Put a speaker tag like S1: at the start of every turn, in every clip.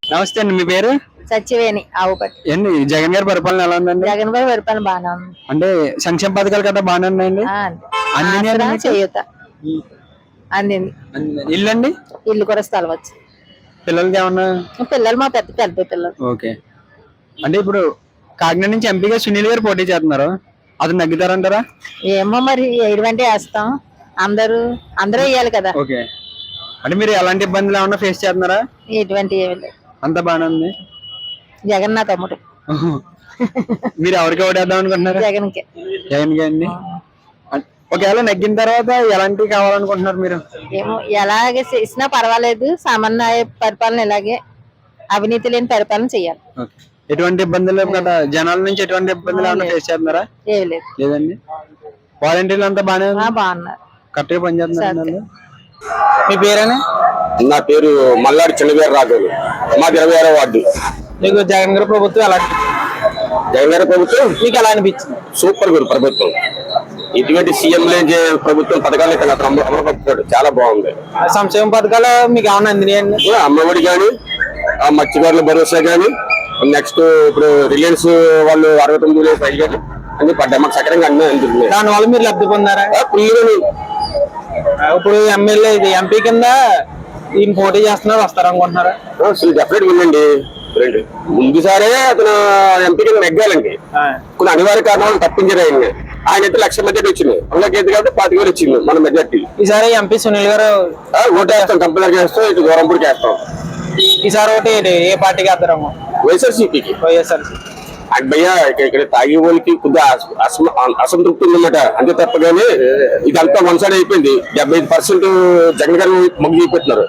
S1: నమస్తే అండి, మీ పేరు?
S2: సత్యవేణి ఆవుపట్టి.
S1: ఏంటి జగన్ గారి పరిపాలన ఎలా ఉందండి?
S2: జగన్ గారి పరిపాలన బాగానే ఉంది.
S1: అంటే సంక్షేమ పథకాలు కదా బాగానే ఉన్నాయండి?
S2: చేయూత అందింది.
S1: ఇల్లు అండి?
S2: ఇల్లు కూడా స్థలం వచ్చి
S1: పిల్లలకి ఏమన్నా?
S2: పిల్లలు మా పెద్ద పెద్ద పిల్లలు.
S1: ఓకే. అంటే ఇప్పుడు కాకినాడ నుంచి ఎంపీగా సునీల్ గారు పోటీ చేస్తున్నారు, అతను నగ్గుతారంటారా?
S2: ఏమో మరి వేయడం వేస్తాం, అందరూ వేయాలి కదా.
S1: ఓకే. అంటే మీరు ఎలాంటి ఇబ్బందులు ఏమన్నా ఫేస్ చేస్తున్నారా?
S2: ఎటువంటి ఏమి లేదు,
S1: అంత బాగానే ఉంది.
S2: జగన్ నా తమ్ముడు.
S1: మీరు ఎవరికి ఓటేద్దాం అనుకుంటున్నారు?
S2: జగన్ కి.
S1: జగన్ కి అండి. ఒకవేళ నెగ్గిన తర్వాత ఎలాంటివి కావాలనుకుంటున్నారు మీరు?
S2: ఏమో ఎలాగే చేసినా పర్వాలేదు, సామాన్య పరిపాలన ఇలాగే అవినీతి లేని పరిపాలన చెయ్యాలి.
S1: ఎటువంటి ఇబ్బందులు కదా, జనాల నుంచి ఎటువంటి ఇబ్బందులు ఏమైనా ఫేస్ చేస్తున్నారా?
S2: ఏమి లేదు.
S1: లేదండి. వాలంటీర్లు అంతా
S2: బాగున్నారు,
S1: కరెక్ట్గా పనిచేస్తున్నారు. మీ పేరేనా?
S3: నా పేరు మల్లాడి చిన్నగారు రాఘవులు, మాది 26వ వార్డు.
S1: మీకు జగన్ గారి ప్రభుత్వం ఎలా?
S3: జగన్ గారి ప్రభుత్వం
S1: మీకు ఎలా అనిపించింది?
S3: సూపర్ గురు ప్రభుత్వం. ఇటువంటి సీఎం ప్రభుత్వం పథకాలు ఇక్కడ అమలుపరుస్తాడు, చాలా బాగుంది.
S1: సంక్షేమ పథకాలు మీకు ఏమన్నా అందినాయండి?
S3: అమ్మఒడి కానీ, మత్స్యకారుల భరోసా కానీ, నెక్స్ట్ ఇప్పుడు రిలయన్స్ వాళ్ళు 69 పై కానీ అన్ని పడ్డాయి, మాకు సకరంగా అన్నీ అందుతున్నాయి.
S1: దానివల్ల మీరు లబ్ధి పొందారా? ఇప్పుడు ఎమ్మెల్యే ఇది ఎంపీ కింద ఈయన పోటీ చేస్తున్నారు, వస్తారనుకుంటున్నారా?
S3: డెఫినెట్ ఉందండి. ముందుసారే అతను ఎంపీ కింద నెగ్గాలండి, కొన్ని అనివార్య కారణాలు తప్పించారు ఆయన. ఆయన అయితే 1,00,000 మెజార్టీ వచ్చింది, అందులోకి కాబట్టి 25,000 వచ్చింది మన మెజార్టీ.
S1: ఈసారి ఎంపీ సునీల్ గారు
S3: ఓటేస్తాం, కంపల్సరీ వేస్తాం, ఇటు గౌరంపూడికి వేస్తాం.
S1: ఈసారి ఒకటి ఏ పార్టీకి వేస్తారమ్మా?
S3: వైఎస్ఆర్సీపీకి. భయ్యా ఇక్కడ తాగే వాళ్ళకి కొద్దిగా అసంతృప్తి ఉందన్నమాట, అంతే తప్పగానే ఇదంతా వన్ సైడ్ అయిపోయింది. 75% జగన్ గారు మొగ్గు చూపెట్టినారు.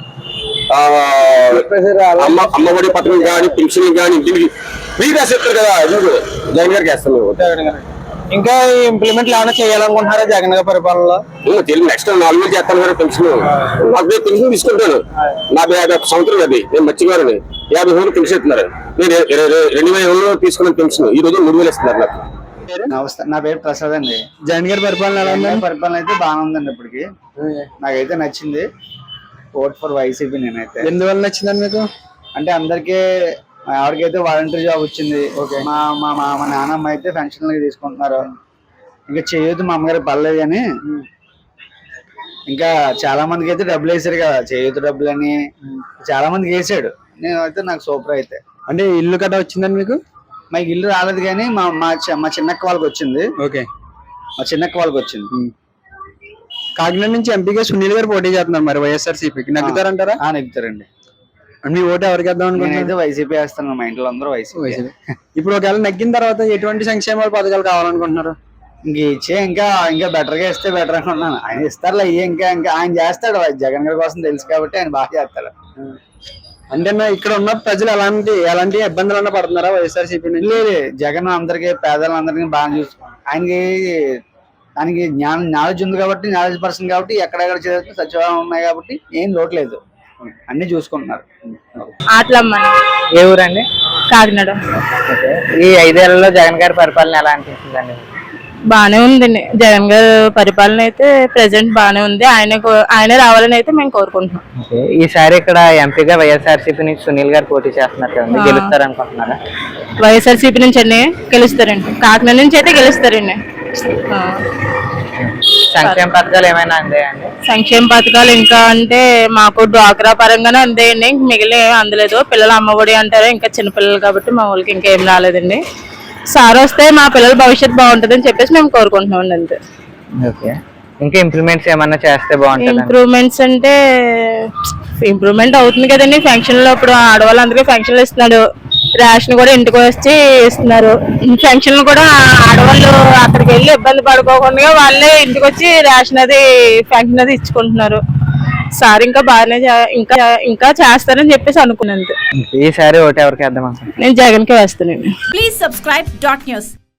S3: అమ్మఒడి పథకం కానీ, పెన్షన్ కానీ, దీనికి ఫ్రీ రాసేస్తారు కదా, జగన్ గారికి వేస్తాం మేము.
S1: ఇంకా ఇంప్లిమెంట్ ఏమైనా చేయాలనుకుంటున్నారా జగన్ గారి పరిపాలనలో?
S3: నెక్స్ట్ 4,000 చేస్తాను కదా పెన్షన్. నాకు పెన్షన్ తీసుకుంటాను, నా 51 సంవత్సరం అది. నేను మర్చిపోయాను, 50,000 పెన్షన్ ఇస్తున్నారు. నేను 2000 తీసుకున్న పెన్షన్ ఈ రోజు 3,000 ఇస్తున్నారు నాకు.
S4: నమస్తే, నా పేరు ప్రసాద్ అండి.
S1: జగన్ గారి పరిపాలన ఎలా ఉంది?
S4: పరిపాలన అయితే బాగానే ఉందండి, ఇప్పటికి నాకైతే నచ్చింది. ఓట్ ఫర్ వైసీపీ నేనైతే.
S1: ఎందువల్ల నచ్చిందండి మీకు?
S4: అంటే అందరికీ ఎవరికైతే వాలంటీర్ జాబ్ వచ్చింది, మా నాన్నమ్మ అయితే పెన్షన్ తీసుకుంటున్నారు. ఇంకా చేయొద్దు మా అమ్మగారికి పర్లేదు కానీ, ఇంకా చాలా మందికి అయితే డబ్బులు వేసారు కదా, చేయొద్దు డబ్బులు అని చాలా మందికి వేసాడు. నేనైతే నాకు సూపర్. అయితే
S1: అంటే ఇల్లు కట్ట వచ్చిందండి మీకు?
S4: మాకు ఇల్లు రాలేదు కానీ మా చిన్నక్క వాళ్ళకి వచ్చింది.
S1: ఓకే,
S4: మా చిన్నక్క వాళ్ళకి వచ్చింది.
S1: కాకినాడ నుంచి ఎంపీగా సునీల్ గారు పోటీ చేస్తున్నారు, మరి వైఎస్ఆర్సీపీకి నెగ్గుతారంటారా?
S4: నెగ్గుతారండి.
S1: మీ ఓటు ఎవరికి వేద్దాం అనుకుంటున్నారు?
S4: నేనైతే వైసీపీ వేస్తాను, మా ఇంట్లో అందరూ వైసీపీ.
S1: ఇప్పుడు ఒకవేళ నెగ్గిన తర్వాత ఎటువంటి సంక్షేమ పథకాలు కావాలనుకుంటున్నారు?
S4: ఇంకా బెటర్ గా ఇస్తే బెటర్ అనుకుంటున్నాను. ఆయన ఇస్తారులే, ఇంకా ఆయన చేస్తాడు. జగన్ గారి కోసం తెలుసు కాబట్టి ఆయన బాగా చేస్తాడు.
S1: అంటే ఇక్కడ ఉన్న ప్రజలు ఎలాంటి ఇబ్బందులు పడుతున్నారా వైఎస్ఆర్సీపీ?
S4: లేదు, జగన్ అందరికి పేదలందరికీ బాగా చూసుకుంటారు. ఆయనకి నాలెడ్జ్ ఉంది కాబట్టి, నాలెడ్జ్ పర్సన్ కాబట్టి, ఎక్కడెక్కడ చదివితే సచివాలయం ఉన్నాయి కాబట్టి ఏం లోటు లేదు, అన్ని చూసుకుంటున్నారు.
S5: ఏ ఊరండి? కాకినాడ. ఈ 5 ఏళ్లలో జగన్ గారి పరిపాలన ఎలా అనిపిస్తుందండి?
S6: బానే ఉందండి, జగన్ గారి పరిపాలన అయితే ప్రెసెంట్ బానే ఉంది. ఆయన రావాలని అయితే మేము కోరుకుంటున్నాం.
S5: ఈసారి ఇక్కడ ఎంపీగా వైఎస్ఆర్సీపీ నుంచి సునీల్ గారు పోటీ చేస్తున్నారు కదండి, గెలుస్తారు అనుకుంటున్నారా?
S6: వైఎస్ఆర్సీపీ నుంచి అండి గెలుస్తారండి, కాకినాడ నుంచి అయితే గెలుస్తారండి.
S5: సంక్షేమ పథకాలు ఏమైనా అందాయండి?
S6: సంక్షేమ పథకాలు ఇంకా అంటే మాకు డ్వాక్రా పరంగానే అందాయండి, మిగిలిన ఏమి అందలేదు. పిల్లలు అమ్మఒడి అంటారు, ఇంకా చిన్నపిల్లలు కాబట్టి మా వాళ్ళకి ఇంకా ఏం రాలేదండి. సార్ వస్తే మా పిల్లల భవిష్యత్తు బాగుంటుందని చెప్పేసి మేము కోరుకుంటున్నాం అంతే.
S5: ఓకే, ఇంకా ఇంప్రూవ్మెంట్స్ ఏమన్నా చేస్తే బాగుంటుంది?
S6: ఇంప్రూవ్మెంట్స్ అంటే ఇంప్రూవ్మెంట్ అవుతుంది కదండి. ఫంక్షన్ లో ఇప్పుడు ఆడవాళ్ళందరికీ ఫంక్షన్లు ఇస్తున్నాడు, రేషన్ కూడా ఇంటికి వచ్చి ఇస్తున్నారు. ఫంక్షన్లు కూడా ఆడవాళ్ళు అక్కడికి వెళ్ళి ఇబ్బంది పడుకోకుండా వాళ్ళే ఇంటికి వచ్చి రేషన్ అది ఫంక్షన్ అది ఇచ్చుకుంటున్నారు. సార్ ఇంకా బాగానే ఇంకా చేస్తారని చెప్పేసి అనుకున్నాను.
S5: ఈసారి ఓటు ఎవరికి వేద్దాం?
S6: నేను జగన్ కి వేస్తానండి.
S7: Please subscribe .news.